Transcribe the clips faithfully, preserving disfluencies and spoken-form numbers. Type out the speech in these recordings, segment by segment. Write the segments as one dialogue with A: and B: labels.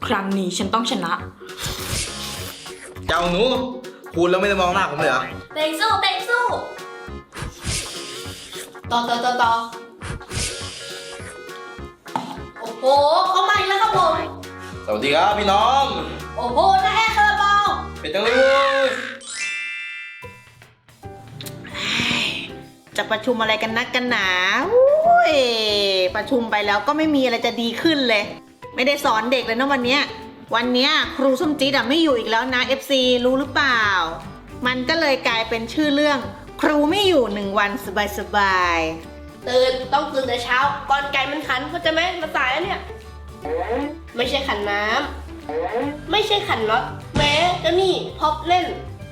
A: ครั้งนี้ฉันต้องชนะ
B: เจ้าหนูคุณแล้วไม่ได้มองหน้าผมเลยเหรอ
C: เตงสู้เตงสู้ต่อต่อต่อต่อโอ้โหเข้ามาอีกแล้วครับผม
B: สวัสดีครับพี่น้อง
C: โอ้โหน้าแอร์คาราบาว
B: เป็นจังเลยเว้ย
D: จะประชุมอะไรกันนักกันหนาอุ้ยประชุมไปแล้วก็ไม่มีอะไรจะดีขึ้นเลย ไม่ได้สอนเด็กเลยนะวันเนี้ยวันเนี้ยครูส้มจี๊ดอะไม่อยู่อีกแล้วนะ เอฟ ซี รู้หรือเปล่า มันก็เลยกลายเป็นชื่อเรื่องครูไม่อยู่หนึ่งวันสบายๆ
C: ตื่นต้องตื่นแต่เช้าก่อนไก่มันขันเข้าใจไหมมาสายแล้วเนี่ยไม่ใช่ขันน้ำไม่ใช่ขันน็อตแม้จะนี่พอบเล่น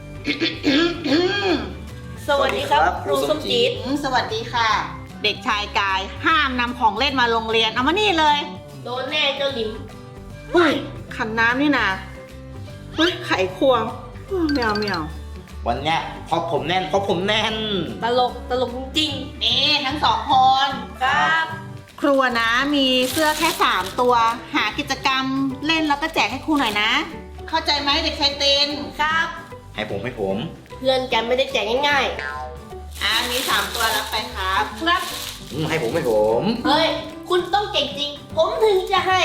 C: สวัสดีครับครูส้มจี๊ด
D: อืมสวัสดีค่ะ เด็กชายกายห้ามนำของเล่นมาโรงเรียนเอามานี่เลย
C: โดนแน่เจ้าลิม
D: เฮ้ยขันน้ำนี่นะเฮ้ยไขควงเฮ้ยไม่เอาไม่เอา
B: วันเนี้ยพอผมแน่นพอผมแน่น
C: ตลกตลกจริง
D: นี่ทั้งสองคน
C: ๆครับ
D: ครูนะมีเสื้อแค่สามตัว หากิจกรรมเล่นแล้วก็แจกให้ครูหน่อยนะ เข้าใจไหมเด็กชายเตน
C: ครับ
B: ให้ผมให้ผม
C: เพื่อนกันไม่ได้แจกง่าย
D: อ่ามีสามตัวรับไปครับ
C: ๆครับ
B: อืมให้ผมให้ผม
C: เฮ้ยคุณต้องเก่งจริง ผมถึงจะให้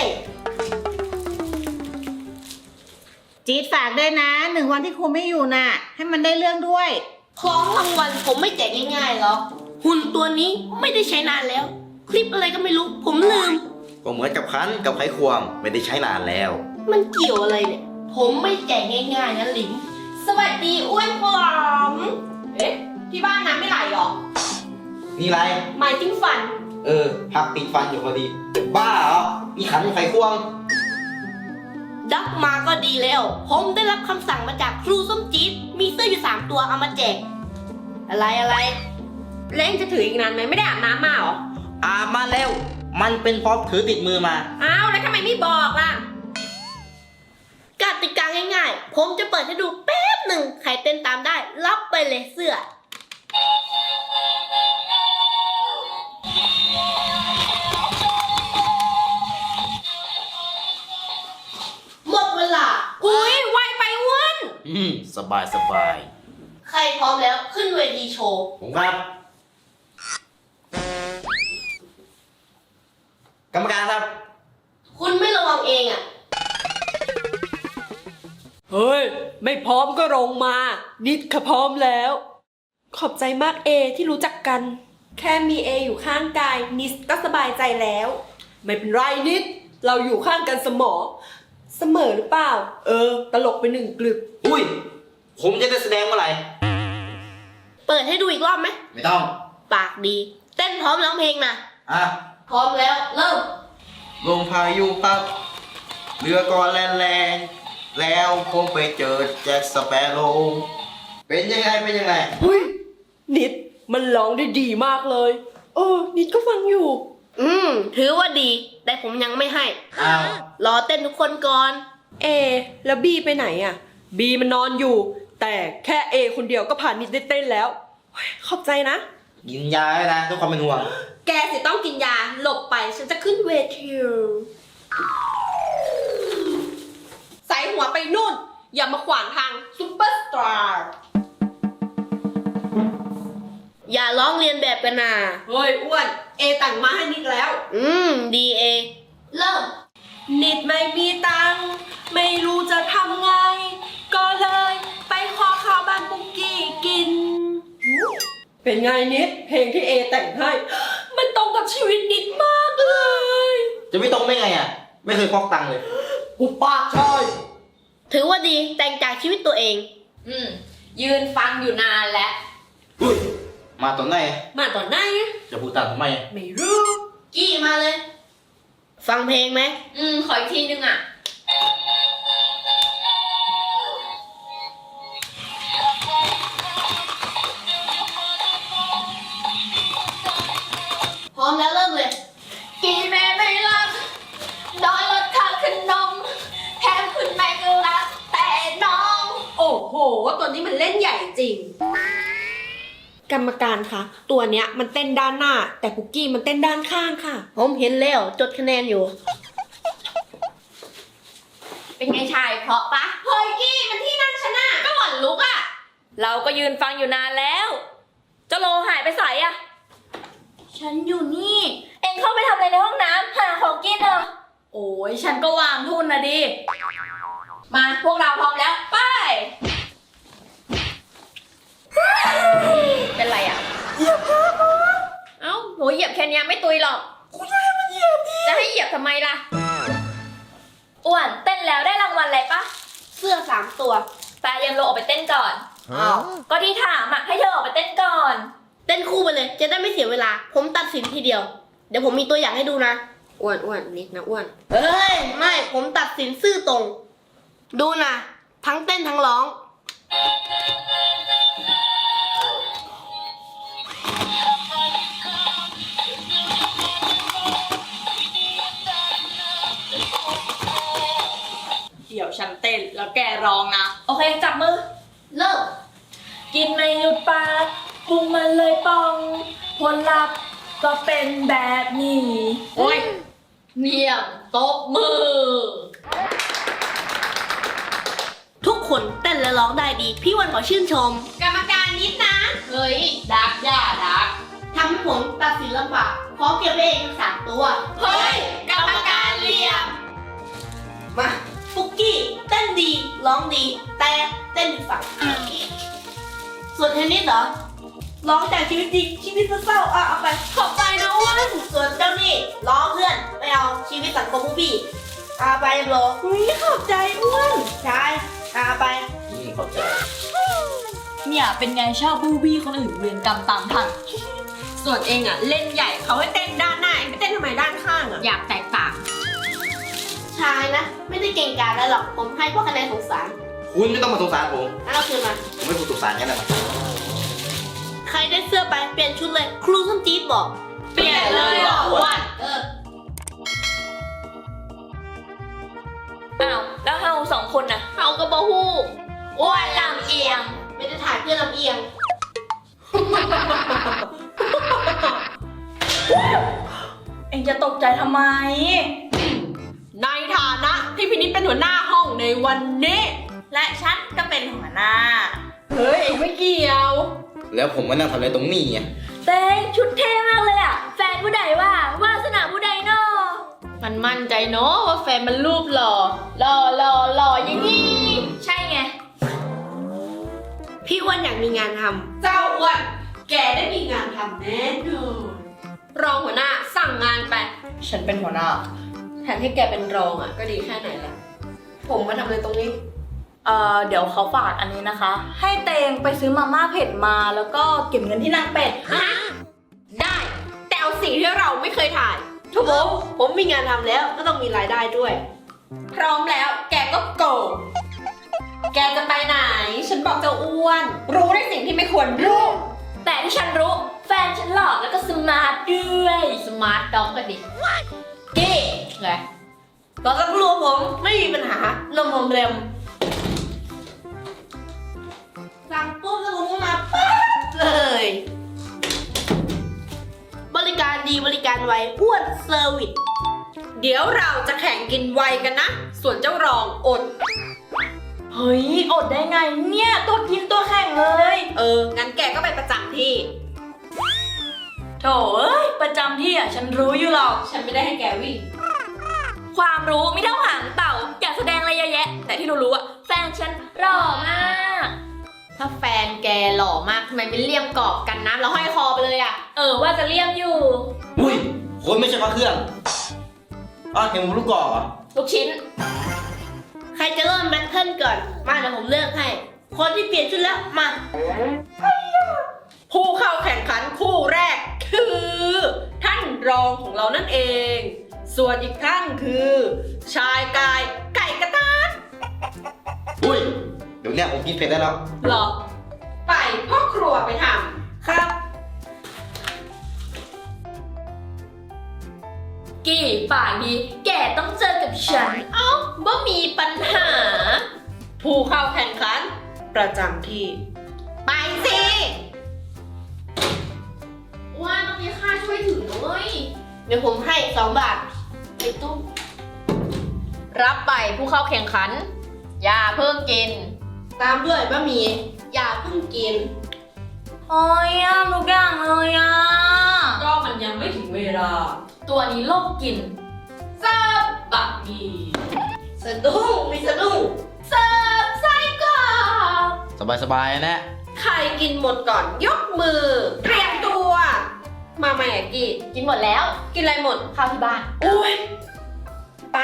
D: จี๊ดฝากด้วยนะหนึ่งวันที่ครูไม่อยู่น่ะ ให้มันได้เรื่องด้วย
C: ของรางวัลผมไม่แจกง่ายๆหรอกหุ่นตัวนี้ไม่ได้ใช้นานแล้ว คลิปอะไรก็ไม่รู้ ผมลืม
B: ก็เหมือนกับคันกับไขควงไม่ได้ใช้นานแล้ว
C: มันเกี่ยวอะไรเนี่ย ผมไม่แจกง่ายๆนะลิมสวัสดีอ้วนผอมเอ๊ะ ที่บ้านน้ำไม่ไหลหรอ
B: นี่ไร
C: หมายถึงฟัน
B: เออพักติดฟันอยู่พอดี บ้าเหรอมีขันไขควง
C: ดักมาก็ดีแล้ว ผมได้รับคำสั่งมาจากครูส้มจี๊ดมีเสื้ออยู่สามตัวเอามาแจก อะไรอะไรเล่นจะถืออีกนานไหมไม่ได้อาบน้ำมาหรอ
B: อาบมาแล้ว มันเป็นเพราะถือติดมือมา
C: อ้าวแล้วทำไมไม่บอกล่ะกติกาง่ายๆ ผมจะเปิดให้ดูแป๊บหนึ่งใครเต้นตามได้รับไปเลยเสื้อ หมดเวลา อุ้ยไวไปอ้วน
B: อืมสบายสบาย
C: ใครพร้อมแล้วขึ้นเวทีโชว์
B: ผมครับ กรรมการครับ
C: คุณไม่ระวังเองอ่ะ
E: เฮ้ย ไม่พร้อมก็ลงมา นิดค่ะพร้อมแล้ว ขอบใจมากเอที่รู้จักกัน แค่มีเออยู่ข้างกาย นิดก็สบายใจแล้ว ไม่เป็นไรนิด เราอยู่ข้างกันเสมอ เสมอหรือเปล่า เออ ตลกไปหนึ่งกลึบ
B: อุ้ย ผมจะได้แสดงเมื่อไหร่
C: เปิดให้ดูอีกรอบไหม
B: ไม่ต้อง
C: ปากดี เต้นพร้อมร้องเพลงนะ
B: อ่ะ
C: พร้อมแล้วเริ่ม
B: ลมพายุพัดเรือก่อนแล่นแรงแล้วผมไปเจอแจ็คสเปโร่เป็นยังไงเป็นยังไง
E: เฮ้ย นิดมันร้องได้ดีมากเลย เออ นิดก็ฟังอยู่
C: อืม ถือว่าดี แต่ผมยังไม่ให้
B: อ้าว
C: รอเต้นทุกคนก่อน
E: เอ แล้วบีไปไหนอ่ะ บีมันนอนอยู่ แต่แค่เอคนเดียวก็ผ่านนิดได้เต้นแล้วเฮ้ยขอบใจนะ
B: กินยาแล้วนะทุกความเป็นห่วง
C: แกสิต้องกินยา หลบไปฉันจะขึ้นเวที
E: ใส่หัวไปนู่น อย่ามาขวางทางซุปเปอร์สตาร์
C: อย่าร้องเรียนแบบกันนะ
E: เฮ้ยอ้วน เอแต่งมาให้นิดแล้ว
C: อืม ดีเอ เริ่ม
E: นิดไม่มีตังค์ไม่รู้จะทำไง ก็เลยไปขอข้าวบ้านปุกกี้กิน เป็นไงนิด เพลงที่เอแต่งให้ มันตรงกับชีวิตนิดมากเลย
B: จะไม่ตรงได้ไงอ่ะ ไม่เคยควักตังค์เลย
E: อุปากชอย
C: ถือว่าดีแต่งจากชีวิตตัวเอง
A: อืม ยืนฟังอยู่นานแล้ว
B: อุ้ย มาตอนไหน
E: มาตอนไหนอะ
B: จะพูดตามทำไม
E: ไม่รู้
C: กี้มาเลย ฟังเพลงไหม
A: อืม ขออีกทีนึงอ่ะ
C: พร้อมแล้วเริ่มเลย
A: กี่แม่ไม่รักน้อยลดค่าขนมแถมคุณแม่ก็รักแต่น้อง
E: โอ้โห ตัวนี้มันเล่นใหญ่จริง กรรมการคะ ตัวเนี้ยมันเต้นด้านหน้า แต่ปุกกี้มันเต้นด้านข้างค่ะ
C: ผมเห็นแล้วจดคะแนนอยู่
A: เป็นไงชายเพราะปะเฮ้ยกี้มันที่นั่งชนะก็หล่อนลุกอะ
F: เราก็ยืนฟังอยู่นานแล้วเจ้าโลหายไปใส่อะ
A: ฉันอยู่นี่
F: เอ็งเข้าไปทำอะไรในห้องน้ำหาของกินเหรอ
A: โอ้ยฉันก็วางทุนนะดิ มาพวกเราพร้อมแล้ว ไป เป็นไรอ่ะ เหยียบเอ้าโหเหยียบแค่เนี้ยไม่ตุยหรอกคุณจะให้มันเหยียบดิจะให้เหยียบทำไมล่ะ
F: อ้วนเต้นแล้วได้รางวัลอะไรปะ
C: เสื้อสามตัว
F: แปยันโลออกไปเต้นก่อน
C: อ้าว
F: ก็ที่ถามอะให้เธอออกไปเต้นก่อน
C: เต้นคู่ไปเลย จะได้ไม่เสียเวลา ผมตัดสินทีเดียว เดี๋ยวผมมีตัวอย่างให้ดูนะ
E: อ้วนอ้วนนิดนะอ้วน
C: เฮ้ย ไม่ ผมตัดสินซื่อตรง ดูนะ ทั้งเต้นทั้งร้อง
E: เดี๋ยวฉันเต้นแล้วแกร้องนะ
F: โอเคจับมือ
C: เลิก
F: กินไม่หยุดปากปรุงมันเลยปอง ผลลัพธ์ก็เป็นแบบนี้
A: โอ้ยเยี่ยมตบมือ
C: ทุกคนเต้นและร้องได้ดี พี่วันขอชื่นชม
A: กรรมการนิดนะ เฮ้ย ดักย่าดัก
C: ทำให้ผมตัดสินลำบากขอเก็บไว้เองทั้งสามตัว
A: เฮ้ย กรรมการเหลี่ยม
C: มาฟุกกี้เต้นดีร้องดี แต่เต้นอีกฝั่งส่วนเทนนิสเหรอร้องจากชีวิตจริงชีวิตเศร้าๆอ่ะเอาไปขอบใจนะอ้วนส่วนเจ้านี่ร้องเพื่อนไม่เอาชีวิตสังคมบูบี้เอาไปโบรอุ้ยขอบใจอ้วนใช่เอาไป
B: อืมเข้าใจ
F: เนี่ยเป็นไงชอบบูบี้คนอื่นเวรกรรมตามทัน
E: ส่วนเองอะเล่นใหญ่เขาให้เต้นด้านหน้าเองไปเต้นทำไมด้านข้างอะ
A: อยากแตกต่าง
C: ชายนะ ไม่ได้เก่งกาจแล้วหรอกผมให้เพราะคะแนนสงสาร
B: คุณไม่ต้องมาสงสารผม
C: งั้นเอาคืนมา
B: ผมไม่ถูกสงสารแค่นั้นนะ
C: ใครได้เสื้อไปเปลี่ยนชุดเลย ครูส้มจี๊ดบอก
A: เปลี่ยนเลยเหรออ้วน
C: เออ
F: อ้าวแล้วเฮาสองคนน่ะ
A: เขาก็บอฮู้อ้วนลำเอียง
C: ไม่ได้ถ่ายเพื่อนลำเอียง
F: เอ็งจะตกใจทำไม
E: ในฐานะที่พินิจเป็นหัวหน้าห้องในวันนี้ และฉันก็เป็นหัวหน้าเฮ้ยเอ็งไม่เกี่ยว
B: แล้วผมมานั่งทำอะไรตรงนี้ไง
F: เต้งชุดเท่มากเลยอะแฟนผู้ใดว่าวาสนาผู้ใดเนาะ
A: มันมั่นใจเนาะว่าแฟนมันรูปหล่อ หล่อหล่อหล่ออย่างนี้
F: ใช่ไง
C: พี่อ้วนอยากมีงานทำ
E: เจ้าอ้วนแกได้มีงานทำแน่นอนรองหัวหน้าสั่งงานไป
F: ฉันเป็นหัวหน้า
E: แทนที่แกเป็นรองอะก็ดีแค่ไหนล่ะ ผมมาทำอะไรตรงนี้
F: เอ่อเดี๋ยวเขาฝากอันนี้นะคะ ให้เตงไปซื้อมาม่าเผ็ดมาแล้วก็เก็บเงินที่นางเป็ด
E: ได้ แต่เอาสิ่งที่เราไม่เคยถ่าย
C: ทุกผมผมมีงานทำแล้วก็ต้องมีรายได้ด้วย
E: พร้อมแล้วแกก็โกงแกจะไปไหน ฉันบอกเจ้าอ้วน รู้ในสิ่งที่ไม่ควรรู้
F: แต่ที่ฉันรู้แฟนฉันหล่อแล้วก็สมาร์ทด้วย
A: สมาร์ทด็อกกันดิ
C: กี้
A: ไง
C: รอสักครู่ผมไม่มีปัญหาลมผมเร็วสั่งปุ๊บแล้วผมก็มาปั๊บเลย บริการดีบริการไวอ้วนเซอร์วิส
E: เดี๋ยวเราจะแข่งกินไวกันนะ ส่วนเจ้ารองอด
F: เฮ้ยอดได้ไงเนี่ยตัวกินตัวแข่งเลย
E: เออ งั้นแกก็ไปประจำที่
F: โถเอ้ยประจำที่อ่ะฉันรู้อยู่หรอก
E: ฉันไม่ได้ให้แกวิ่ง
F: ความรู้ไม่เท่าหางเต่า อยากแสดงอะไรเยอะแยะ แต่ที่รู้ๆอ่ะแฟนฉันหล่อมาก
A: ถ้าแฟนแกหล่อมากทำไมไม่เลี่ยมกรอบกันน้ำแล้วห้อยคอไปเลยอะ
F: เออว่าจะเลี่ยมอยู่
B: อุ้ยคนไม่ใช่พระเครื่องอ้าวเห็นผมลูกกอกเหรอ
F: ลูกชิ้น
C: ใครจะเริ่มแบทเทิลก่อน มาเดี๋ยวผมเลือกให้ คนที่เปลี่ยนชุดแล้วมา
E: ผู้เข้าแข่งขันคู่แรกคือ ท่านรองของเรานั่นเอง ส่วนอีกท่านคือ ชายกายไก่กระตาน
B: อุ้ยเดี๋ยวเนี้ยผมกินเผ็ดได้แล้ว
E: หรอ ไปพ่อครัวไปทำครับ
F: กี่ปากดีแกต้องเจอกับฉัน
A: เอ้าบ่มีปัญหา
E: ผู้เข้าแข่งขัน ประจำที่
A: ไปสิว่าต้องมีค่าช่วยถือด้วย
C: เดี๋ยวผมให้สองบาทในตู้
A: รับไปผู้เข้าแข่งขัน อย่าเพิ่งกิน
C: ตามด้วยบะหมี่อย่าเพิ่งกิน
F: โอ้ยยากทุกอย่างเลยอ่ะ
E: ก็มันยังไม่ถึงเวลา
A: ตัวนี้โลกกินเสิร์ฟบะหมี่
C: สะดุ้งมีสะดุ้ง
A: เสิร์ฟไส้กรอก
B: สบายสบายๆนะ
C: ใครกินหมดก่อนยกมือ เตรียมตัว มาใหม่อะกี้
A: กินหมดแล้ว
C: กินอะไรหมด
A: ข้าวที่บ้าน
C: อุ้ยไป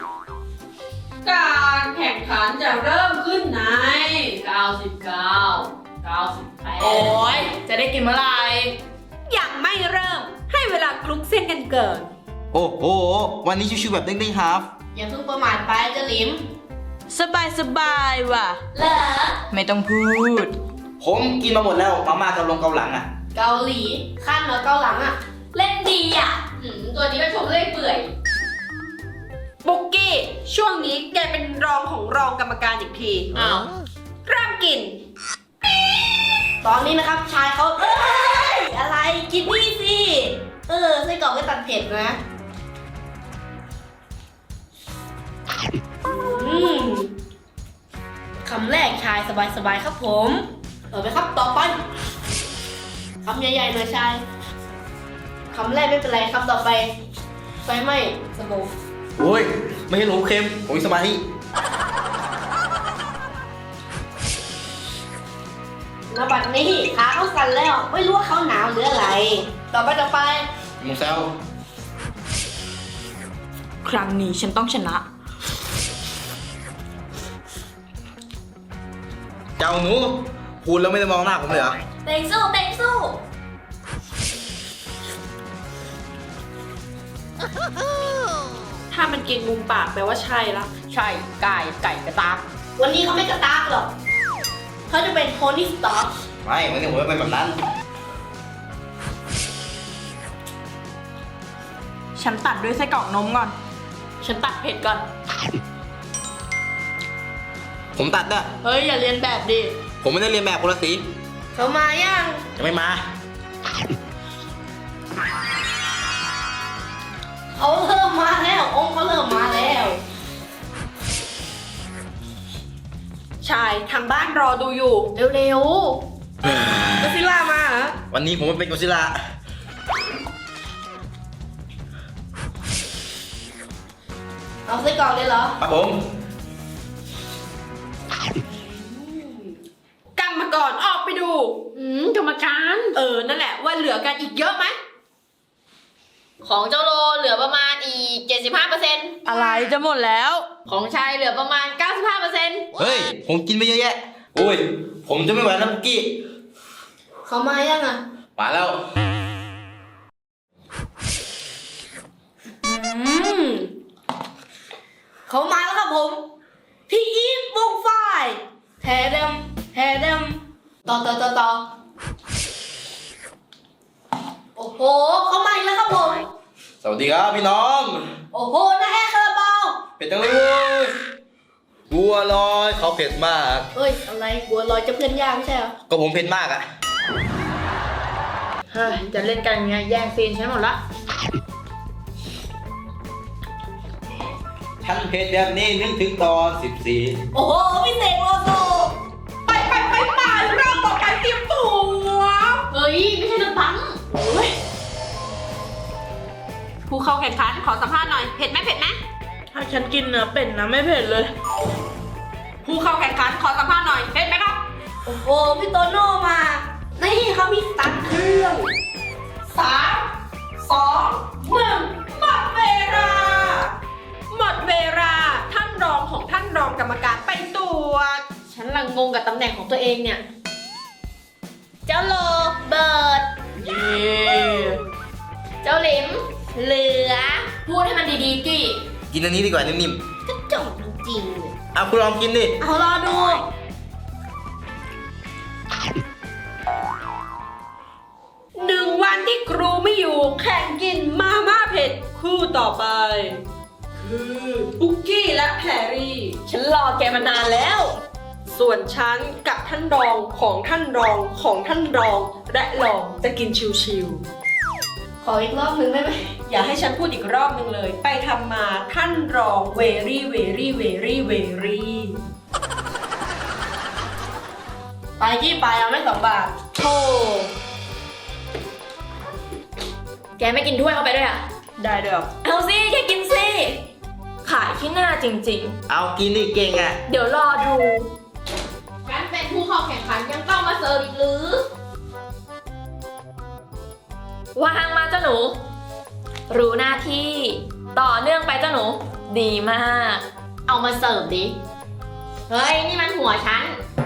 E: การแข่งขันจะเริ่มขึ้นในเก้าสิบเก้า เก้าสิบแปด
F: โอ้ยจะได้กินเมื่อไหร่
E: ยังไม่เริ่ม ให้เวลาคลุกเส้นกันเกิน
B: โอ้โห วันนี้ชิวๆแบบเด้งๆครับ
C: อย่าเพิ่งประมาทไปเจ้าหลิม
F: สบายสบายว่ะ
A: เหรอ
F: ไม่ต้องพูด
B: ผมกินมาหมดแล้ว มาม่ากับลงเกาหลังอ่ะ
C: เกาหลีขั้นเหรอเกาหลังอ่ะ
A: เล่นดีอ่ะหืมตัวนี้ก็ชมเล่อยเปื่อย
E: บุกกี้ ช่วงนี้แกเป็นรองของรองกรรมการอีกที
A: อ้าว
E: เริ่มกิน
C: ตอนนี้นะครับชายเขาเอ้ยอะไรกินนี่สิ เออไส้กรอกไม่ตัดเผ็ดนะ อืมคำแรกชายสบายๆครับผมต่อไปครับต่อไปคำใหญ่ๆหน่อยชายคำแรกไม่เป็นไรคำต่อไปไฟไหม้สมอง
B: โอ้ย ไม่ให้หลงเค็ม ผมมีสมาธิ
C: มาบัดนี้ขาเขาสั่นแล้ว ไม่รู้ว่าเขาหนาวหรืออะไร ต่อไปต่อไป
B: มูเซล
F: ครั้งนี้ฉันต้องชนะ
B: เจ้าหนูพูดแล้วไม่ได้มองหน้าผมเลยเหรอ
A: เต็งสู้เต็งสู้
E: ถ้ามันกินมุมปากแปลว่าใช่ละ
A: ใช่ไก่ไก่กระตาก
C: วันนี้เขาไม่กระตากหรอกเขาจะเป็นโทนี่สต็อก
B: ไม่ วันนี้ผมไม่เป็นแบบนั้น
F: ฉันตัดด้วยไส้กรอกนมก่อน
A: ฉันตักเผ็ดก่อน
B: ผมตัดนะ
C: เฮ้ย อย่าเรียนแบบดิ
B: ผมไม่ได้เรียนแบบคนละสี
C: เขามายัง
B: จะไม่มา
C: เขาเริ่มมาแล้วองค์เขาเริ่มมาแล้ว
E: ชายทางบ้านรอดูอยู่
A: เร็ว
E: ก็ซิล่ามาเหรอ
B: วันนี้ผมไม่เป็นกอซิลล่า
C: เอาไส้กรอกเลยเหรอ
B: ครับผม
E: กรรมกรออกไปดู
A: ๆอืมกรรมการ
E: เออ นั่นแหละว่าเหลือกันอีกเยอะไหม
A: ของเจ้าโลเหลือประมาณอีก เจ็ดสิบห้าเปอร์เซ็นต์
F: อะไรจะหมดแล้ว
A: ของชายเหลือประมาณ เก้าสิบห้าเปอร์เซ็นต์
B: เฮ้ย ผมกินไปเยอะแยะ โอ้ย ผมจะไม่ไหวแล้วปุกกี้
C: เขามายังอ่ะ
B: มาแล้ว
C: อืม เขามาแล้วครับผม พี่อีฟวงไฟแทเดมแทเดมต่อต่อต่อต่อโอ้โห เขามาอีกแล้วครับผม
B: สวัสดีครับพี่น้อง
C: โอ้โหน้าแอร์คาราบาว
B: เผ็ดจังเลยเว้ยบัวลอยเขาเผ็ดมาก
C: เฮ้ย อะไรบัวลอยจะเพื่อนยากไม่ใช่เหรอ
B: ก็ผมเผ็ดมากอะ
F: เฮ้ย จะเล่นกันยังไงแย่งซีนฉันหมดละ
B: ท่านเผ็ดแบบนี้นึกถึงตอนสิบสี่
C: โอ้โหพี่เสกโลโซ
E: ไปไปไปไปรอบต่อไปเตรียมตัว
A: เฮ้ย ไม่ใช่น้ำปัง
E: ผู้เข้าแข่งขันขอสัมภาษณ์หน่อย เผ็ดไหมเผ็ดไหม
F: ถ้าฉันกินเนื้อเป็ดนะไม่เผ็ดเลย
E: ผู้เข้าแข่งขันขอสัมภาษณ์หน่อย เผ็ดไหมครับ
C: โอ้โห พี่โตโน่มา นี่เขามีสตันเครื่องสามสองหนึ่ง
E: หมดเวลา หมดเวลา ท่านรองของท่านรองกรรมการไปตรวจ
A: ฉันลังงงกับตำแหน่งของตัวเองเนี่ย เจ้าโลเบิร์ด
F: เย้
A: เจ้าหลิม เหลือ พูดให้มันดีๆกี่
B: กินอันนี้ดีกว่านิ่ม
C: กระจอกจริงๆเลย
B: ๆเอาคุณลองกินดิ
C: เอารอดู
E: หนึ่งวันที่ครูไม่อยู่แข่งกินมาม่าเผ็ดคู่ต่อไป คือปุกกี้และแพรรี่ ฉันรอแกมานานแล้ว ส่วนฉันกับท่านรองของท่านรองของท่านรองและรองจะกินชิวๆ
C: ข
A: ออีกรอบนึงได้ไหม
E: อย่าให้ฉันพูดอีกรอบนึงเลย ไปทำมาท่านรอง very very very very
C: ไปที่ไปเอาไม่สองบาท
E: โธ่
A: แกไม่กินถ้วยเข้าไปด้วยอ่ะ
E: ได้ด้วยเหรอ
F: เอาสิแค่กินสิ ขายที่หน้าจริง
B: เอากินดิเก่งอ่ะ
F: ๆ เดี๋ยวรอดู
A: งั้นเป็นผู้เข้าแข่งขันยังต้องมาเสิร์ฟอีกหรือ
F: วางมาเจ้าหนู รู้หน้าที่ ต่อเนื่องไปเจ้าหนู ดีมาก
A: เอามาเสิร์ฟดิ เฮ้ย นี่มันหัวฉัน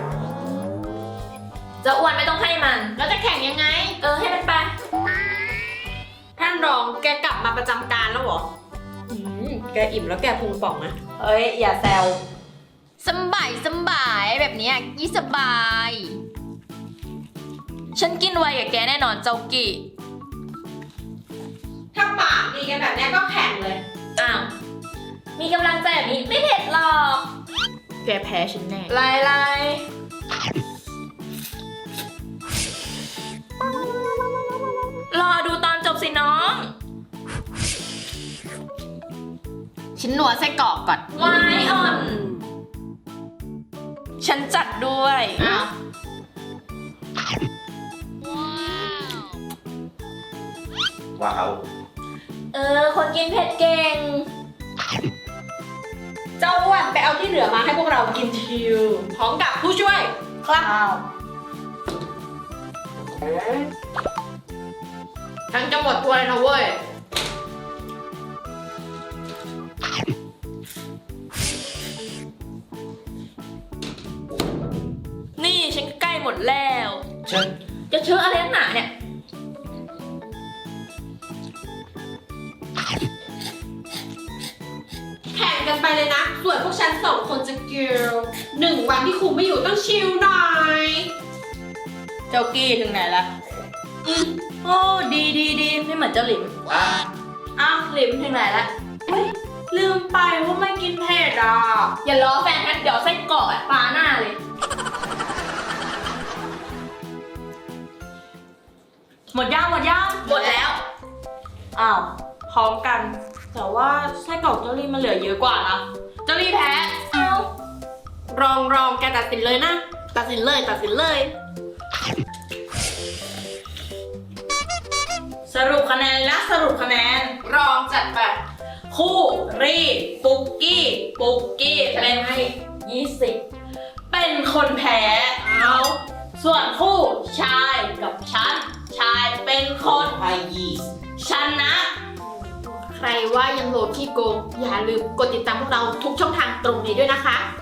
F: จะอ้วนไม่ต้องให้มัน
A: แล้วจะแข่งยังไง
F: เออให้มันไป
E: ท่านรองแกกลับมาประจำการแล้วเหรออืมแกอิ่มแล้วแกพุงป่องนะ
F: เอ้ย อย่าแซว
A: สบายสบายแบบนี้ยี่สบาย
F: ฉันกินไวกับแกแน่นอนเจ้ากี่
E: ถ้าปากดีกันแบบนี้ก็แข่งเลย
F: อ้าว มีกำลังใจแบบนี้ไม่เผ็ดหรอก
A: แกแพ้ฉันแน่
F: ลายลายรอดูตอนจบสิน้อง
A: ชิ้นหนัวไส้กรอกก่อน
F: ไวายอ่อน ฉันจัดด้วย
A: อ้าว
B: ว้าว
F: เออ คนกินเผ็ดเก่ง
E: เจ้าอ้วนไปเอาที่เหลือมาให้พวกเรากินชิวพร้อมกับผู้ช่วย
C: ครับ
A: ฉันจะหมดถ้วยนะเว้ย
F: นี่ฉันใกล้หมดแล้ว
B: ฉัน
F: จะเชื่ออะไรนักหนาเนี่ย
E: แข่งกันไปเลยนะ ส่วนพวกฉันสองคนจะเกิลหนึ่งวันที่ครูไม่อยู่ต้องชิลหน่อย
C: เจ้ากี้ถึงไหนละอืมโอ้ดีดีดีไม่เหมือนเจ้าหลิม
B: อ่ะ
C: อ้าวหลิมถึงไหนละเฮ้ยลืมไปว่าไม่กินเผ็ดอ่ะ
F: อย่าล้อแฟนกันเดี๋ยวไส้กรอกอะปาหน้าเลย
C: หมดย่างหมดย่าง
F: หมดแล้ว
C: อ้าวพร้อมกัน แต่ว่าไส้กรอกเจ้าลี่มันเหลือเยอะกว่านะ
E: เจ้าลี่แพ้
F: เอา
E: รองรองแกตัดสินเลยนะ
C: ตัดสินเลยตัดสินเลย สรุปคะแนนนะสรุปคะแนน
E: รองจัดไป
C: คู่รีปุกกี้ปุกกี้เป็น
F: ให้ยี่สิบ
C: เป็นคนแพ้เอาส่วนคู่ชายกับฉัน ชายเป็นคน
B: ไอยีส
C: ชนะ
A: ใครว่ายังโหลดขี้โกง อย่าลืมกดติดตามพวกเราทุกช่องทางตรงนี้ด้วยนะคะ